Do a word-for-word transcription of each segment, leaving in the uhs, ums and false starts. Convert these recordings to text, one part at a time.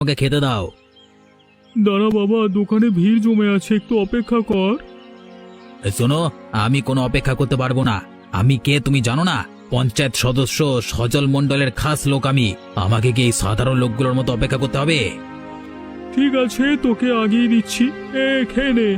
ওকে খেতে দাও। দাঁড়া বাবা, দোকানে ভিড় জমে আছে, একটু অপেক্ষা কর। এই শোনো, আমি কোনো অপেক্ষা করতে পারবো না। আমি কে তুমি জানো না? পঞ্চায়েত সদস্য সজল মণ্ডলের খাস লোক আমি। আমাকে কি এই সাধারণ লোকগুলোর মতো অপেক্ষা করতে হবে? ঠিক আছে, তোকে আগিয়ে দিচ্ছি, এ খেয়ে নে।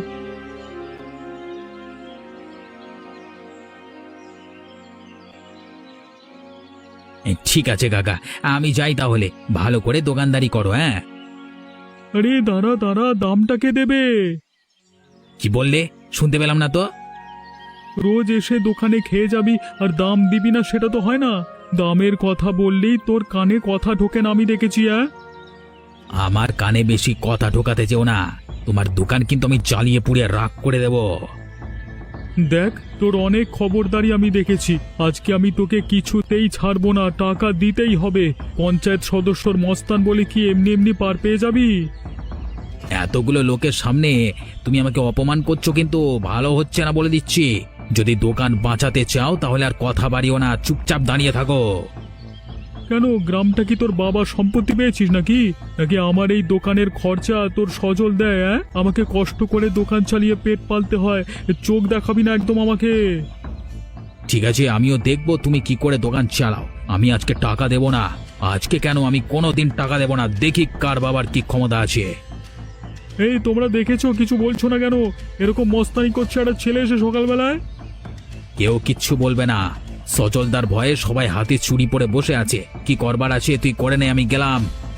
এ, ঠিক আছে কাকা, আমি যাই তাহলে। ভালো করে দোকানদারি করো। হ্যাঁ, আরে দাঁড়া দাঁড়া, দামটা কে দেবে? কি বললে? শুনতে পেলাম না তো। রোজ এসে দোকানে খেয়ে যাবি আর দাম দিবি না, সেটা তো হয় না। দামের কথা বললেই তোর কানে কথা ঢোকে না, আমি দেখেছি। হ্যাঁ, আমার কানে বেশি কথা ঢোকাতে যেও না। তোমার দোকান কিন্তু আমি জ্বালিয়ে পুড়িয়ে রাগ করে দেব। দেখ, তোর অনেক খবরদারি আমি দেখেছি। আজকে আমি তোকে কিছুতেই ছাড়বো না, টাকা দিতেই হবে। পঞ্চায়েত সদস্যর মস্তান বলে কি এমনি এমনি পার পেয়ে যাবি? এতগুলো লোকের সামনে তুমি আমাকে অপমান করছো, কিন্তু ভালো হচ্ছে না বলে দিচ্ছি। যদি দোকান বাঁচাতে চাও তাহলে আর কথা বাড়িও না, চুপচাপ দাঁড়িয়ে থাকো। কেন, গ্রামটা কি তোর বাবার সম্পত্তি পেয়েছিস নাকি? নাকি আমার এই দোকানের খরচা তোর সজল দেয়? হ্যাঁ, আমাকে কষ্ট করে দোকান চালিয়ে পেট পালতে হয়। চোখ দেখাবি না একদম আমাকে। ঠিক আছে, আমিও দেখবো তুমি কি করে দোকান চালাও। আমি আজকে টাকা দেব না। আজকে কেন, আমি কোনোদিন টাকা দেব না। দেখি কার বাবার কি ক্ষমতা আছে। এই তোমরা দেখেছো, কিছু বলছো না কেন? এরকম মস্তানি করছে একটা ছেলে এসে সকালবেলায়। কেউ কিচ্ছু বলবে না। সজলদার ভয়ে সবাই হাতে চুরি পরে বসে আছে। কি করবার আছে তুই করে নে, আমি গেলাম।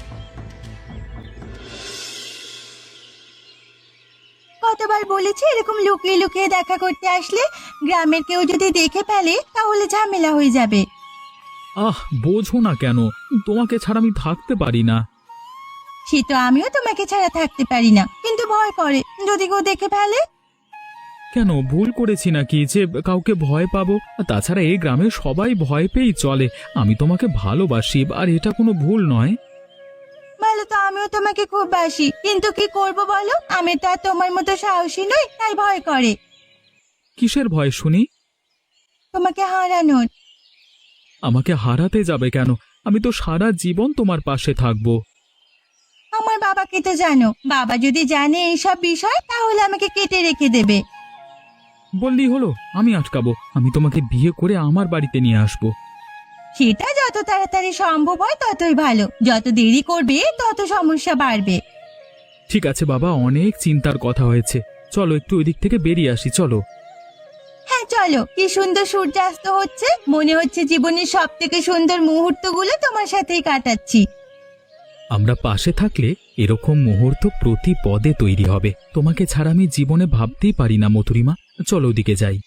কতবার বলেছি এরকম লুকিয়ে লুকিয়ে দেখা করতে আসলে গ্রামের কেউ যদি দেখে ফেলে তাহলে ঝামেলা হয়ে যাবে। আহ, বোঝো না কেন? তোমাকে ছাড়া আমি থাকতে পারি না। সে তো আমিও তোমাকে ছাড়া থাকতে পারি না, কিন্তু ভয় করে যদি কেউ দেখে ফেলে। কেন, ভুল করেছি নাকি যে কাউকে ভয় পাবো? তাছাড়া এই গ্রামে সবাই ভয় পেয়েই চলে। আমি তোমাকে ভালোবাসি, আর এটা কোনো ভুল নয়। ভালো তো আমিও তোমাকে খুব বাসি, কিন্তু কি করব বলো, আমি তো আর তোমার মতো সাহসী নই, তাই ভয় করে। কিসের ভয় শুনি? তোমাকে হারানোর। আমাকে হারাতে যাবে কেন? আমি তো সারা জীবন তোমার পাশে থাকবো। আমার বাবাকে তো জানো, বাবা যদি জানে এইসব বিষয় তাহলে আমাকে কেটে রেখে দেবে। বললেই হলো, আমি আটকাবো? আমি তোমাকে বিয়ে করে আমার বাড়িতে নিয়ে আসবো। সেটা যত তাড়াতাড়ি সম্ভব হয় ততই ভালো, যত দেরি করবে তত সমস্যা বাড়বে। ঠিক আছে বাবা, অনেক চিন্তার কথা হয়েছে। চলো একটু ওই দিক থেকে বেরিয়ে আসি, চলো। হ্যাঁ চলো, কি সুন্দর সূর্যাস্ত হচ্ছে, মনে হচ্ছে জীবনের সব থেকে সুন্দর মুহূর্তগুলো তোমার সাথেই কাটাচ্ছি। আমরা পাশে থাকলে এরকম মুহূর্ত প্রতি পদে তৈরি হবে। তোমাকে ছাড়া আমি জীবনে ভাবতেই পারি না মধুরিমা। চলো ওদিকে যাই।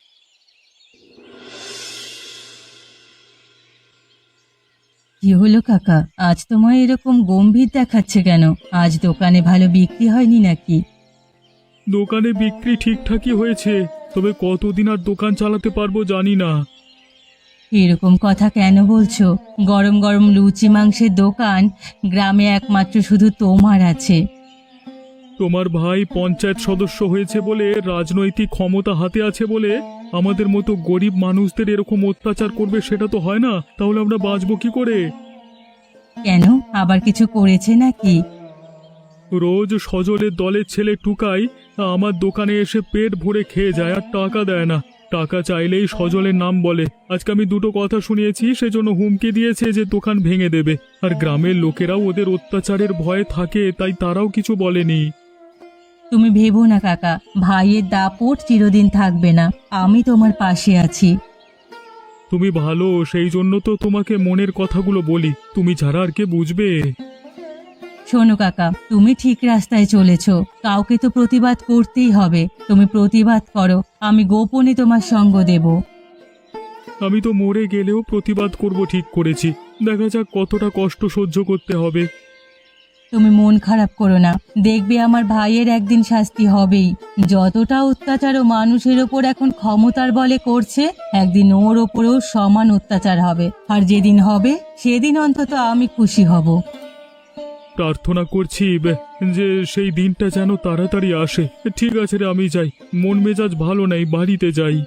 কি হলো কাকা, আজ তোমায় এরকম গম্ভীর দেখাচ্ছে কেন? আজ দোকানে ভালো বিক্রি হয়নি নাকি? দোকানে বিক্রি ঠিকঠাকই হয়েছে, তবে কতদিন আর দোকান চালাতে পারবো জানি না। এরকম কথা কেন বলছো? গরম গরম লুচি মাংসের দোকান গ্রামে একমাত্র শুধু তোমার আছে। তোমার ভাই পঞ্চায়েত সদস্য হয়েছে বলে, রাজনৈতিক ক্ষমতা হাতে আছে বলে আমাদের মতো গরিব মানুষদের এরকম অত্যাচার করবে, সেটা তো হয় না। তাহলে আমরা বাঁচবো কি করে? কেন, আবার কিছু করেছে নাকি? রোজ সজলের দলের ছেলে টুকাই আমার দোকানে এসে পেট ভরে খেয়ে যায় আর টাকা দেয় না। টাকা চাইলেই সজলের নাম বলে। আজকে আমি দুটো কথা শুনিয়েছি, সেজন্য হুমকি দিয়েছে যে দোকান ভেঙে দেবে। আর গ্রামের লোকেরাও ওদের অত্যাচারের ভয়ে থাকে, তাই তারাও কিছু বলেনি। তুমি ভেবো না কাকা, ভাইয়ের দাপট চিরদিন থাকবে না, আমি তোমার পাশে আছি। তুমি ভালো, সেই জন্য তো তোমাকে মনের কথাগুলো বলি। তুমি ছাড়া আর কে বুঝবে? শোনো কাকা, তুমি ঠিক রাস্তায় চলেছো, কাউকে তো প্রতিবাদ করতেই হবে। তুমি প্রতিবাদ করো, আমি গোপনে তোমার সঙ্গ দেব। আমি তো মরে গেলেও প্রতিবাদ করব ঠিক করেছি। দেখা যাক কতটা কষ্ট সহ্য করতে হবে। তুমি মন খারাপ করো না, দেখবে আমার ভাইয়ের একদিন শাস্তি হবেই। যতটা অত্যাচার ও মানুষের ওপর এখন ক্ষমতার বলে করছে, একদিন ওর ওপরেও সমান অত্যাচার হবে। আর যেদিন হবে সেদিন অন্তত আমি খুশি হব। প্রার্থনা করছি বে- যে সেই দিনটা যেন তাড়াতাড়ি আসে। ঠিক আছে রে, আমি যাই। মন মেজাজ ভালো নাই, বাড়িতে যাই।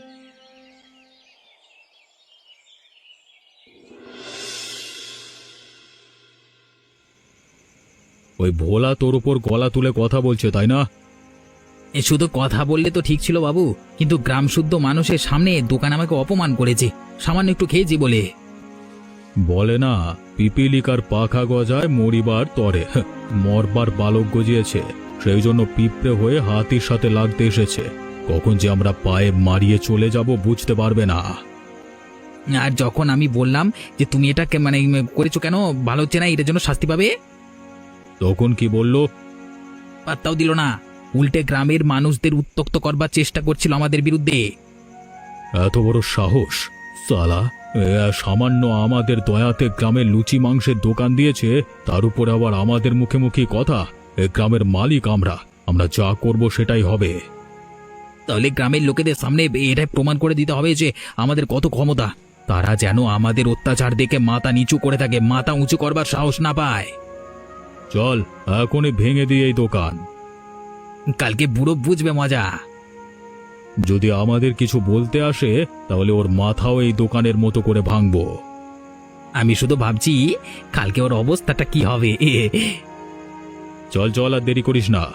ওই ভোলা তোর উপর গলা তুলে কথা বলছে তাই না? এ শুধু কথা বললে তো ঠিক ছিল বাবু, কিন্তু গ্রাম শুদ্ধ মানুষের সামনে দোকান আমাকে অপমান করেছে সামান্য একটু খেয়েছি বলে। বলে না, পিপিলিকার পাখা গজায় মরিবার তরে। হ্যাঁ, মরবার বালক গজিয়েছে, সেই জন্য পিঁপড়ে হয়ে হাতির সাথে লাগতে এসেছে। কখন যে আমরা পায়ে মারিয়ে চলে যাব বুঝতে পারবে না। আর যখন আমি বললাম যে তুমি এটা কে- মানে করেছো কেন, ভালো হচ্ছে না, এটার জন্য শাস্তি পাবে, তখন কি বললো? পাত্তাও দিল না। উল্টে গ্রামের মানুষদের উত্ত্যক্ত করবার চেষ্টা করছিল আমাদের বিরুদ্ধে। এত বড় সাহস! সালা, এ সামান্য আমাদের দয়াতে গ্রামের লুচি মাংসের দোকান দিয়েছে, তার উপর আবার আমাদের মুখে মুখে কথা। এ গ্রামের মালিক আমরা, আমরা যা করব সেটাই হবে। তাহলে গ্রামের লোকেদের সামনে এটাই প্রমাণ করে দিতে হবে যে আমাদের কত ক্ষমতা। তারা যেন আমাদের অত্যাচার দেখে মাথা নিচু করে থাকে, মাথা উঁচু করবার সাহস না পায়। চল এখনই ভেঙে দিয়ে এই দোকান। কালকে বুড়ো বুঝবে মজা। যদি আমাদের কিছু বলতে আসে তাহলে ওর মাথাও এই দোকানের মতো করে ভাঙবো। আমি শুধু ভাবছি কালকে ওর অবস্থাটা কি হবে। চল চল, আর দেরি করিস না।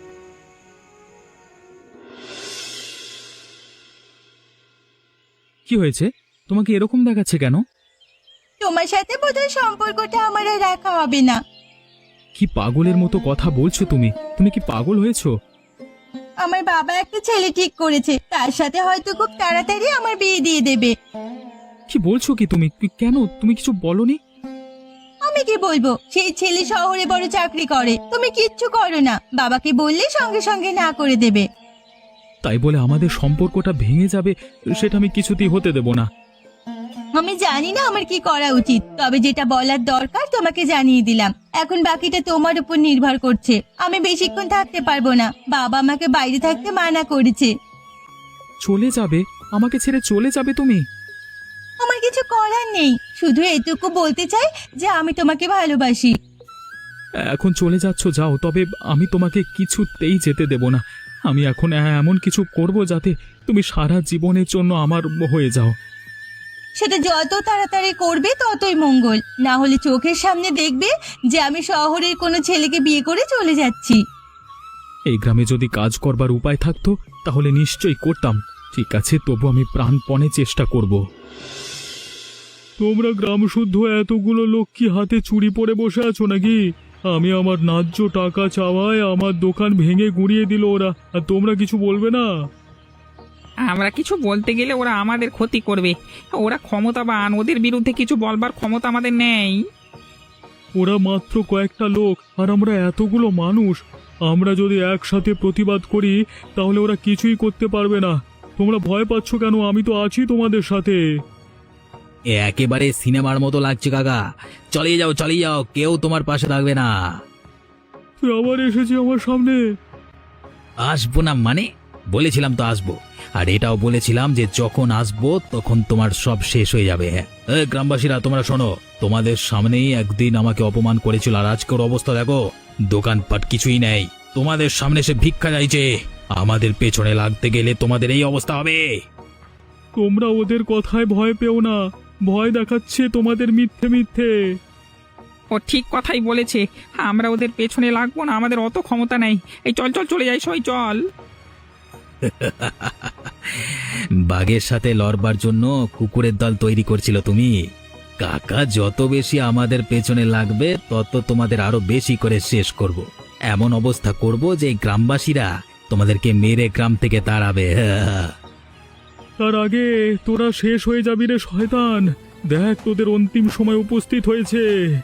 কি হয়েছে, তোমাকে এরকম দেখাচ্ছে কেন? তোমার সাথে বোধহয় সম্পর্কটা আমার আর রাখা হবে না। কি পাগলের মতো কথা বলছো তুমি? তুমি কি পাগল হয়েছো? আমার বাবা একটা ছেলে ঠিক করেছে, তার সাথে হয়তো খুব তাড়াতাড়ি আমার বিয়ে দিয়ে দেবে। কি বলছো কি তুমি? কি- কেন, তুমি কিছু বলনি? আমি কি বলবো, সেই ছেলে শহরে বড় চাকরি করে, তুমি কিচ্ছু করো না, বাবাকে বললে সঙ্গে সঙ্গে না করে দেবে। তাই বলে আমাদের সম্পর্কটা ভেঙে যাবে সেটা আমি কিছুতেই হতে দেব না। আমি জানি না আমার কি করা উচিত, তবে যেটা বলার দরকার তোমাকে জানিয়ে দিলাম। এখন বাকিটা তোমার উপর নির্ভর করছে। আমি বেশিক্ষণ থাকতে পারবো না, বাবা আমাকে বাইরে থাকতে মানা করেছে। চলে যাবে? আমাকে ছেড়ে চলে যাবে তুমি? আমার কিছু করার নেই, শুধু এটুকু বলতে চাই যে আমি তোমাকে ভালোবাসি। এখন চলে যাচ্ছ, যাও, তবে আমি তোমাকে কিছুতেই যেতে দেব না। আমি এখন এমন কিছু করব যাতে তুমি সারা জীবনের জন্য আমার হয়ে যাও। সেটা যত তাড়াতাড়ি করবে ততই মঙ্গল, না হলে চোখের সামনে দেখবে যে আমি শহরের কোনো ছেলেকে বিয়ে করে চলে যাচ্ছি। এই গ্রামে যদি কাজ করবার উপায় থাকতো তাহলে নিশ্চয়ই করতাম। ঠিক আছে, তবু আমি প্রাণপণে চেষ্টা করব। তোমরা গ্রাম শুদ্ধ এতগুলো লোক কি হাতে চুরি পরে বসে আছো নাকি? আমি আমার ন্যায্য টাকা চাওয়ায় আমার দোকান ভেঙে গুঁড়িয়ে দিল ওরা, আর তোমরা কিছু বলবে না? আমরা কিছু বলতে গেলে ওরা আমাদের ক্ষতি করবে। ওরা ক্ষমতাবান, ওদের বিরুদ্ধে কিছু বলবার ক্ষমতা আমাদের নেই। ওরা মাত্র কয়েকটা লোক আর আমরা এতগুলো মানুষ। আমরা যদি একসাথে প্রতিবাদ করি তাহলে ওরা কিছুই করতে পারবে না। তোমরা ভয় পাচ্ছ কেন? আমি তো আছি তোমাদের সাথে। এ একেবারে সিনেমার মতো লাগছে কাকা। চালিয়ে যাও, চালিয়ে যাও, কেউ তোমার পাশে থাকবে না। তুই আবার এসেছি আমার সামনে। আসবো না মানে? বলেছিলাম তো আসবো, আর এটাও বলেছিলাম যে যখন আসবো তখন তোমার সব শেষ হয়ে যাবে। হ্যাঁ, এ গ্রামবাসীরা তোমরা শোনো, তোমাদের সামনেই একদিন আমাকে অপমান করেছিল, আর আজকের অবস্থা দেখো, দোকানপাট কিছুই নেই। তোমাদের সামনে সে ভিক্ষা চাইছে। আমাদের পেছনে লাগতে গেলে তোমাদের এই অবস্থা হবে। তোমরা ওদের কথায় ভয় পেও না, ভয় দেখাচ্ছে তোমাদের মিথ্যে মিথ্যে। ও ঠিক কথাই বলেছে, আমরা ওদের পেছনে লাগবো না, আমাদের অত ক্ষমতা নেই। এই চল চল চলে যাই, সই চল। বাঘের সাথে লড়বার জন্য কুকুরের দল তৈরি করছিল তুমি। কাকা, যত বেশি আমাদের পেছনে লাগবে তত তোমাদের আরো বেশি করে শেষ করব। এমন অবস্থা করব যে গ্রামবাসীরা তোমাদেরকে মেরে গ্রাম থেকে তাড়াবে। তার আগে তোরা শেষ হয়ে যাবি রে শয়তান। দেখ, তোদের অন্তিম সময় উপস্থিত হয়েছে।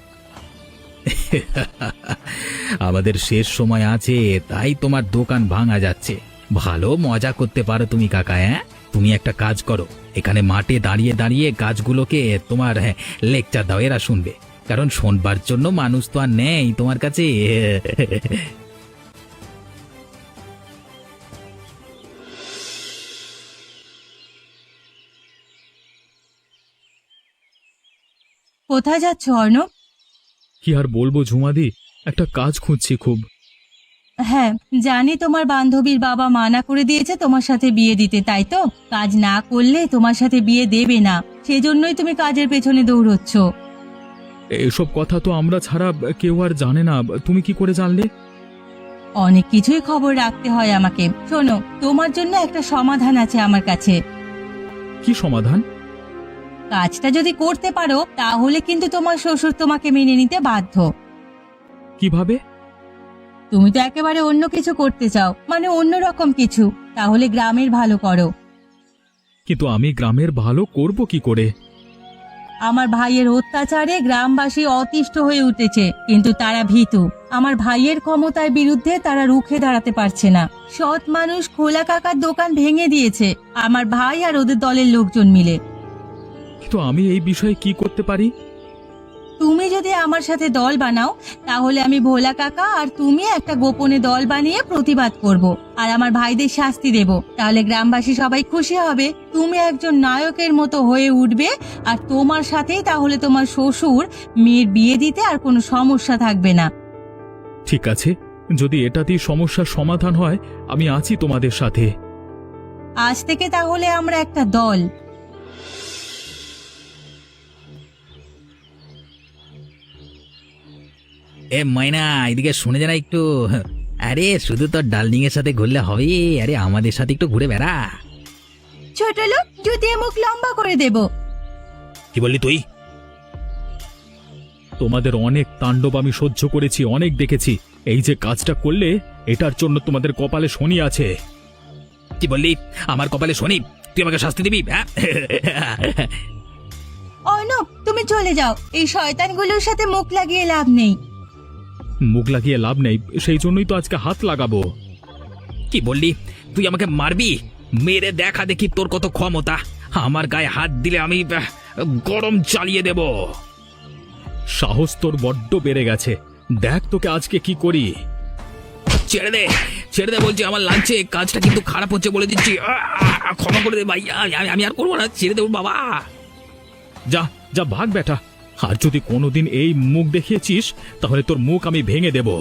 আমাদের শেষ সময় আছে, তাই তোমার দোকান ভাঙা যাচ্ছে। ভালো মজা করতে পারো তুমি কাকা। হ্যাঁ, তুমি একটা কাজ করো, এখানে মাঠে দাঁড়িয়ে দাঁড়িয়ে গাছগুলোকে তোমার লেকচার দাও, এরা শুনবে। কারণ শোনবার জন্য মানুষ তো আর নেই তোমার কাছে। কোথায় যাচ্ছ অর্ণব? কি আর বলবো ঝুমাদি, একটা কাজ খুঁজছি খুব। হ্যাঁ, জানি তোমার বান্ধবীর বাবা মানা করে দিয়েছে তোমার সাথে বিয়ে দিতে, তাই তো? কাজ না করলে তোমার সাথে বিয়ে দেবে না, সেজন্যই তুমি কাজের পেছনে দৌড়চ্ছ। এসব কথা তো আমরা ছাড়া কেউ আর জানে না, তুমি কি করে জানলে? অনেক কিছুই খবর রাখতে হয় আমাকে। শোনো, তোমার জন্য একটা সমাধান আছে আমার কাছে। কি সমাধান? কাজটা যদি করতে পারো তাহলে কিন্তু তোমার শ্বশুর তোমাকে মেনে নিতে বাধ্য। কিভাবে? তুমি তো একেবারে অন্য কিছু করতে চাও, মানে অন্য রকম কিছু। তাহলে গ্রামের ভালো করো। কিন্তু আমি গ্রামের ভালো করব কি করে? আমার ভাইয়ের অত্যাচারে গ্রামবাসী অতিষ্ঠ হয়ে উঠেছে, কিন্তু তারা ভীতু। আমার ভাইয়ের ক্ষমতার বিরুদ্ধে তারা রুখে দাঁড়াতে পারছে না। সৎ মানুষ খোলা কাকার দোকান ভেঙে দিয়েছে আমার ভাই আর ওদের দলের লোকজন মিলে। কিন্তু আমি এই বিষয়ে কি করতে পারি? তুমি যদি আমার সাথে দল বানাও তাহলে আমি ভোলা কাকা আর তুমি একটা গোপনে দল বানিয়ে প্রতিবাদ করব আর আমার ভাইদের শাস্তি দেব। তাহলে গ্রামবাসী সবাই খুশি হবে, তুমি একজন নায়কের মতো হয়ে উঠবে, আর তোমার সাথেই তাহলে তোমার শ্বশুর মেয়ের বিয়ে দিতে আর কোনো সমস্যা থাকবে না। ঠিক আছে, যদি এটাতেই সমস্যার সমাধান হয় আমি আছি তোমাদের সাথে। আজ থেকে তাহলে আমরা একটা দল। এ ময়না, এদিকে শুনে যারা একটু। আরে শুধু তোর ডার্লিং এর সাথে ঘুরলে হবে, আরে আমাদের সাথে একটু ঘুরে বেড়া। ছোট লোক, জুতিয়ে মুখ লম্বা করে দেব। কি বললি তুই? তোমাদের অনেক তাণ্ডব আমি সহ্য করেছি, অনেক দেখেছি। এই যে কাজটা করলে এটার জন্য তোমাদের কপালে শনি আছে। কি বললি? আমার কপালে শনি? তুই আমাকে শাস্তি দিবি? হ্যাঁ? অর্ণব, তুমি চলে যাও, এই শয়তানগুলোর সাথে মুখ লাগিয়ে লাভ নেই। মুখ লাগিয়ে লাভ নেই, সেই জন্যই তো আজকে হাত লাগাবো। কি বললি? তুই আমাকে মারবি? মেরে দেখা দেখি তোর কত ক্ষমতা। আমার গায়ে হাত দিলে আমি আহ, গরম চালিয়ে দেব। সাহস তোর বড্ড বেড়ে গেছে, দেখ তোকে আজকে কি করি। ছেড়ে দে, ছেড়ে দে বলছি, আমার লাঞ্চে কাজটা কিন্তু খারাপ হচ্ছে বলে দিচ্ছি। আহ, আহ, ক্ষমা করে দে ভাই, আমি- আমি আর করবো না, ছেড়ে দেবো বাবা। যা যা, ভাগ বেটা। আর যদি কোনোদিন এই মুখ দেখিয়েছিস তাহলে তোর মুখ আমি ভেঙে দেব।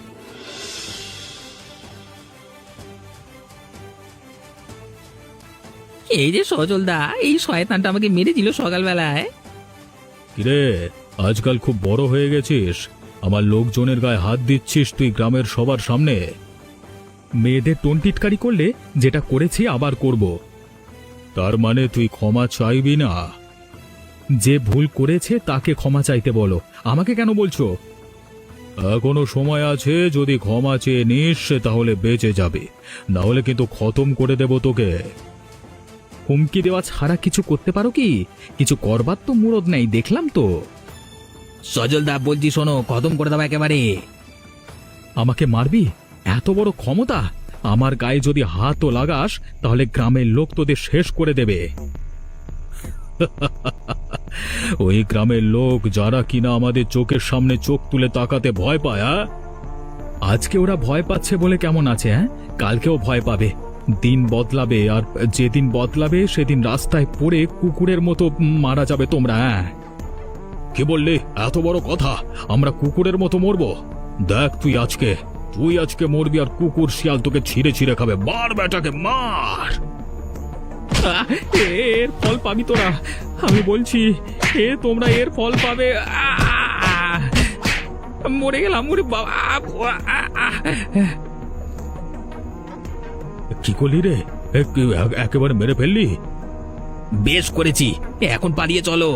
এই যে সজলদা, এই শয়তানটা আমাকে মেরে দিল সকালবেলায়। কিরে, আজকাল খুব বড় হয়ে গেছিস, আমার লোকজনের গায়ে হাত দিচ্ছিস তুই গ্রামের সবার সামনে। মেয়েদের টোনটিটকারি করলে যেটা করেছি আবার করব। তার মানে তুই ক্ষমা চাইবি না? যে ভুল করেছে তাকে ক্ষমা চাইতে বলো, আমাকে কেন বলছো? এখনো সময় আছে, যদি ক্ষমা চেয়ে নিস তাহলে বেঁচে যাবে, না হলে কিন্তু খতম করে দেব তোকে। হুমকি দেওয়া ছাড়া কিছু করতে পারো কি? কিছু করবার তো মুরদ নেই, দেখলাম তো। সজলদা বলছি শোনো, খতম করে দেবো একেবারে। আমাকে মারবি? এত বড় ক্ষমতা? আমার গায়ে যদি হাতও লাগাস তাহলে গ্রামের লোক তোদের শেষ করে দেবে। ওই গ্রামের লোক যারা কিনা আমাদের চোখের সামনে চোখ তুলে তাকাতে ভয় পায়, হ্যাঁ? আজকে ওরা ভয় পাচ্ছে বলে কেমন আছে, হ্যাঁ? কালকেও ভয় পাবে। দিন বদলাবে, আর যেদিন বদলাবে সেদিন রাস্তায় পড়ে কুকুরের মতো মারা যাবে তোমরা। হ্যাঁ, কি বললি? এত বড় কথা? আমরা কুকুরের মতো মরবো? দেখ তুই আজকে তুই আজকে মরবি, আর কুকুর শিয়াল তোকে ছিঁড়ে ছিঁড়ে খাবে। মার বেটাকে, মার। আহ, এর ফল পাবি তোরা, আমি বলছি। এ তোমরা এর ফল পাবে। আহ! মরে গেলাম, মরে বাবা। আহ, আহ! কি করলি রে? এ, কি- এ- একেবারে মেরে ফেললি? বেশ করেছি, এখন পালিয়ে চলো।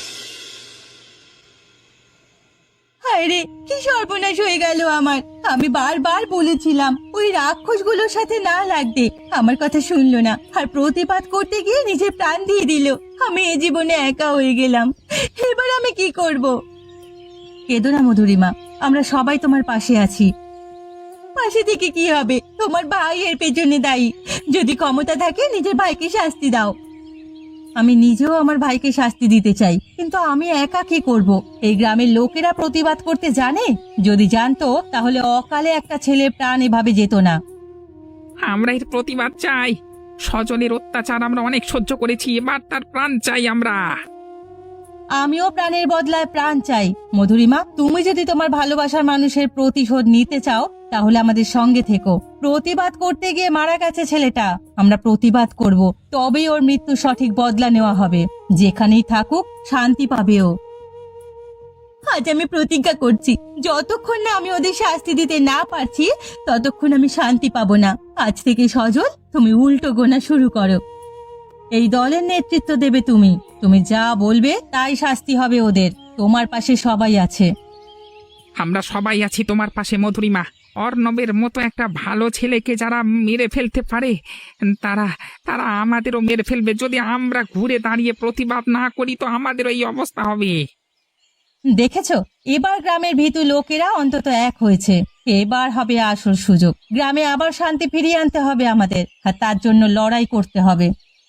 হায় রে, কি সর্বনাশ হয়ে গেল আমার। আমি বারবার বলেছিলাম ওই রাক্ষসগুলোর সাথে না লাগতে, আমার কথা শুনলো না, আর প্রতিবাদ করতে গিয়ে নিজের প্রাণ দিয়ে দিল। আমি এ জীবনে একা হয়ে গেলাম, এবার আমি কি করব? কেঁদো না মধুরিমা, আমরা সবাই তোমার পাশে আছি। পাশে থেকে কি হবে? তোমার ভাই এর পেছনে দায়ী। যদি ক্ষমতা থাকে নিজের ভাইকে শাস্তি দাও। আমি নিজেও আমার ভাইকে শাস্তি দিতে চাই, কিন্তু আমি একা কি করব? এই গ্রামের লোকেরা প্রতিবাদ করতে জানে? যদি জানতো তাহলে অকালে একটা ছেলের প্রাণ এভাবে যেত না। আমরা এর প্রতিবাদ চাই। সজলের অত্যাচার আমরা অনেক সহ্য করেছি, এবার তার প্রাণ চাই আমরা। আমিও প্রাণের বদলায় প্রাণ চাই। মধুরিমা, তুমি যদি তোমার ভালোবাসার মানুষের প্রতিশোধ নিতে চাও তাহলে আমাদের সঙ্গে থেকো। প্রতিবাদ করতে গিয়ে মারা গেছে ছেলেটা, আমরা প্রতিবাদ করব, তবেই ওর মৃত্যু সঠিক বদলা নেওয়া হবে। যেখানেই থাকুক শান্তি পাবে ও। আজ আমি প্রতিজ্ঞা করছি, যতক্ষণ না আমি ওদের শাস্তি দিতে না পারছি ততক্ষণ আমি শান্তি পাবো না। আজ থেকে সজল, তুমি উল্টো গোনা শুরু করো। এই দলের নেতৃত্ব দেবে তুমি। তুমি যা বলবে তাই শাস্তি হবে ওদের। তোমার পাশে সবাই আছে। আমরা সবাই আছি তোমার পাশে মধুরিমা। অর্ণবের মতো একটা ভালো ছেলেকে যারা মেরে ফেলতে পারে তারা তারা আমাদেরও মেরে ফেলবে। যদি আমরা ঘুরে দাঁড়িয়ে প্রতিবাদ না করি তো আমাদেরও এই অবস্থা হবে। দেখেছো, এবার গ্রামের ভীতু লোকেরা অন্তত এক হয়েছে। এবার হবে আসল সুযোগ। গ্রামে আবার শান্তি ফিরিয়ে আনতে হবে আমাদের, আর তার জন্য লড়াই করতে হবে।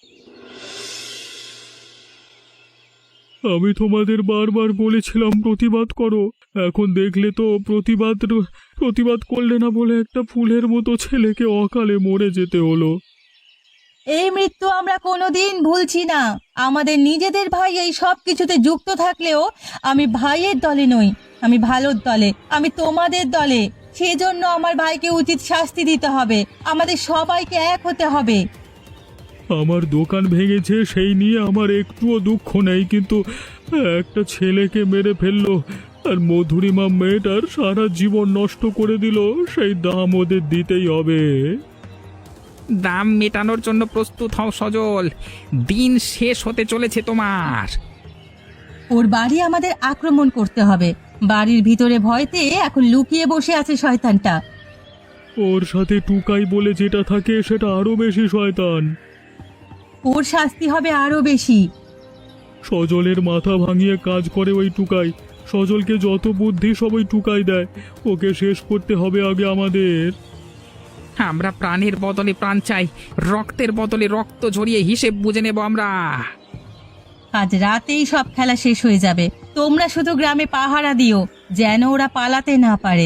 আমি তোমাদের বারবার বলেছিলাম প্রতিবাদ করো, এখন দেখলে তো প্রতিবাদ প্রতিবাদ করলে না বলে একটা ফুলের মতো ছেলেকে অকালে মরে যেতে হলো। এই মৃত্যু আমরা কোনোদিন ভুলছি না। আমাদের নিজেদের ভাই এই সব কিছুতে যুক্ত থাকলেও আমি ভাইয়ের দলে নই, আমি ভালোর দলে, আমি তোমাদের দলে। সেজন্য আমার ভাইকে উচিত শাস্তি দিতে হবে। আমাদের সবাইকে এক হতে হবে। আমার দোকান ভেঙেছে সেই নিয়ে আমার একটুও দুঃখ নেই, কিন্তু একটা ছেলেকে মেরে ফেললো আর মধুরিমা মেয়েটার সারা জীবন নষ্ট করে দিল, সেই দাম ওদের দিতেই হবে। দাম মেটানোর জন্য প্রস্তুত হও সজল, দিন শেষ হতে চলেছে তোমার। ওর বাড়ি আমাদের আক্রমণ করতে হবে। বাড়ির ভিতরে ভয়তে এখন লুকিয়ে বসে আছে শয়তানটা। ওর সাথে টুকাই বলে যেটা থাকে সেটা আরো বেশি শয়তান। ওর শাস্তি হবে আরো বেশি। সজলের মাথা ভাঙিয়ে কাজ করে ওই টুকাই। সজলকে যত বুদ্ধি সব ওই টুকাই দেয়। ওকে শেষ করতে হবে আগে আমাদের। আমরা প্রাণের বদলে প্রাণ চাই, রক্তের বদলে রক্ত ঝরিয়ে হিসেব বুঝে নেব আমরা। আজ রাতেই সব খেলা শেষ হয়ে যাবে। তোমরা শুধু গ্রামে পাহারা দিও, যেন ওরা পালাতে না পারে।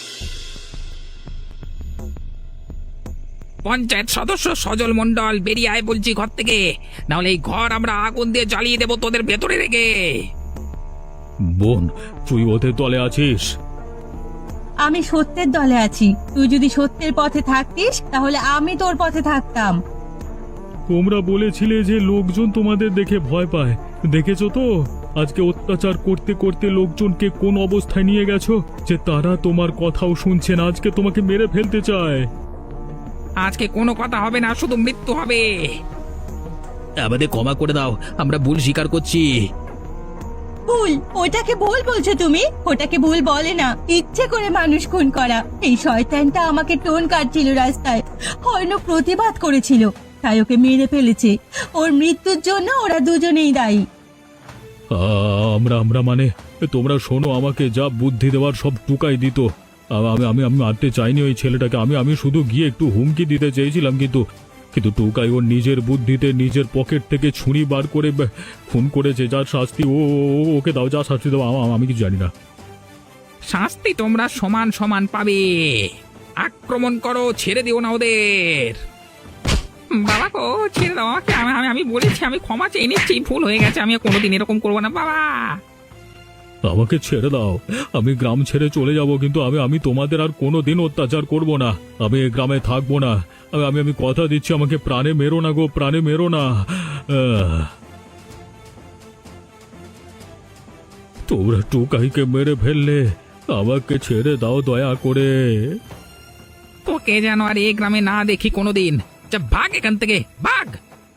পঞ্চায়েত সদস্য সজল মণ্ডল, বেরিয়ে আয় বলছি ঘর থেকে, নাহলে এই ঘর আমরা আগুন দিয়ে জ্বালিয়ে দেবো তোদের ভেতরে রেখে। বোন, তুই ওদের দলে আছিস? আমি সত্যের দলে আছি। তুই যদি সত্যের পথে থাকতিস তাহলে আমি তোর পথে থাকতাম। তোমরা বলেছিলে যে লোকজন তোমাদের দেখে ভয় পায়, দেখেছো তো আজকে অত্যাচার করতে করতে লোকজনকে কোন অবস্থায় নিয়ে গেছো, যে তারা তোমার কথাও শুনছে না, আজকে তোমাকে মেরে ফেলতে চায়। আজকে কোনো কথা হবে না, শুধু মৃত্যু হবে। আমাদের ক্ষমা করে দাও, আমরা ভুল স্বীকার করছি। ভুল? ওটাকে ভুল বলছো তুমি? ওটাকে ভুল বলে না, ইচ্ছে করে মানুষ খুন করা। এই শয়তানটা আমাকে টোন কাটছিল রাস্তায়, হয়তো প্রতিবাদ করেছিল, তাই ওকে মেরে ফেলেছে। ওর মৃত্যুর জন্য ওরা দুজনেই দায়ী। আ, আমরা আমরা মানে তোমরা শোনো, আমাকে যা বুদ্ধি দেওয়ার সব টুকাই দিত। আ- আমি আমি আমি মারতে চাইনি ওই ছেলেটাকে, আমি আমি শুধু গিয়ে একটু হুমকি দিতে চেয়েছিলাম, কিন্তু কিন্তু টুকাই ওর নিজের বুদ্ধিতে নিজের পকেট থেকে ছুরি বার করে ব- খুন করেছে। যার শাস্তি ও ও- ও- ওকে দাও, যা শাস্তি দাও, আ- আমি কিছু জানি না। শাস্তি তোমরা সমান সমান পাবে। আক্রমণ করো, ছেড়ে দিও না ওদের। বাবা গো, ছেড়ে দাও আমাকে। আমি আমি- আমি বলেছি, আমি ক্ষমা চেয়ে নিচ্ছি, ভুল হয়ে গেছে, আমি আর কোনোদিন এরকম করবো না বাবা। আমাকে ছেড়ে দাও, আমি গ্রাম ছেড়ে চলে যাব, কিন্তু আমি আমি তোমাদের আর কোনো দিন অত্যাচার করব না। আমি এই গ্রামে থাকবো না। আমি আমি আমি কথা দিচ্ছি, আমাকে প্রাণে মেরো না গো, প্রাণে মেরো না। আহ। তোমরা টুকাইকে মেরে ফেললে, আমাকে ছেড়ে দাও দয়া করে। তোকে যেন আর এই গ্রামে না দেখি কোনোদিন। যা, ভাগ এখান থেকে, ভাগ।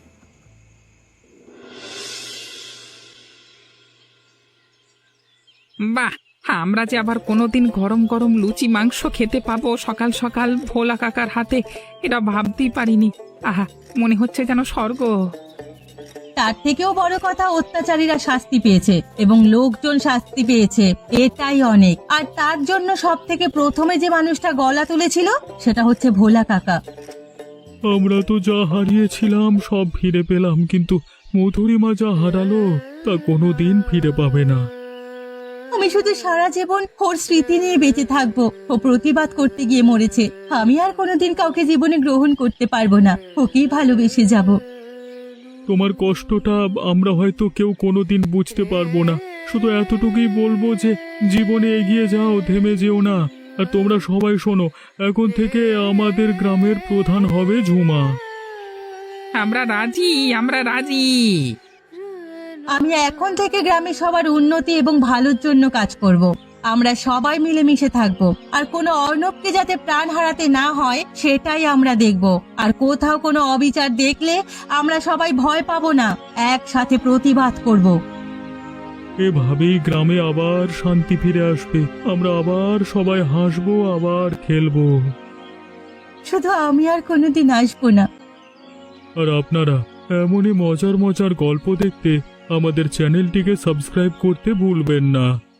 বাহ, আমরা যে আবার কোনোদিন গরম গরম লুচি মাংস খেতে পাবো সকাল সকাল ভোলা কাকার হাতে, এটা ভাবতেই পারিনি। আহা, মনে হচ্ছে যেন স্বর্গ। তার থেকেও বড় কথা, অত্যাচারীরা শাস্তি পেয়েছে এবং লোকজন শাস্তি পেয়েছে, এটাই অনেক। আর তার জন্য সব থেকে প্রথমে যে মানুষটা গলা তুলেছিল সেটা হচ্ছে ভোলা কাকা। আমরা তো যা হারিয়েছিলাম সব ফিরে পেলাম, কিন্তু মধুরিমা যা হারালো তা কোনো দিন ফিরে পাবে না। আমি শুধু সারা জীবন ওর স্মৃতি নিয়ে বেঁচে থাকবো। ও প্রতিবাদ করতে গিয়ে মরেছে। আমি আর কোনোদিন কাউকে জীবনে গ্রহণ করতে পারবো না, ওকেই ভালোবেসে যাব। তোমার কষ্টটা আমরা হয়তো কেউ কোনোদিন বুঝতে পারবো না, শুধু এতটুকুই বলবো যে জীবনে এগিয়ে যাও, থেমে যেও না। আর তোমরা সবাই শোনো, এখন থেকে আমাদের গ্রামের প্রধান হবে ঝুমা। আমরা রাজি, আমরা রাজি। আমি এখন থেকে গ্রামে সবার উন্নতি এবং ভালোর জন্য কাজ করব। আমরা সবাই মিলেমিশে থাকব, আর কোনো অর্ণবকে যাতে প্রাণ হারাতে না হয় সেটাই আমরা দেখব। আর কোথাও কোনো অবিচার দেখলে আমরা সবাই ভয় পাবো না, একসাথে প্রতিবাদ করব। এভাবেই গ্রামে আবার শান্তি ফিরে আসবে, আমরা আবার সবাই হাসবো, আবার খেলবো। শুধু আমি আর কোনোদিন আসবো না। আর আপনারা এমনই মজার মজার গল্প দেখতে আমাদের চ্যানেলটিকে সাবস্ক্রাইব করতে ভুলবেন না।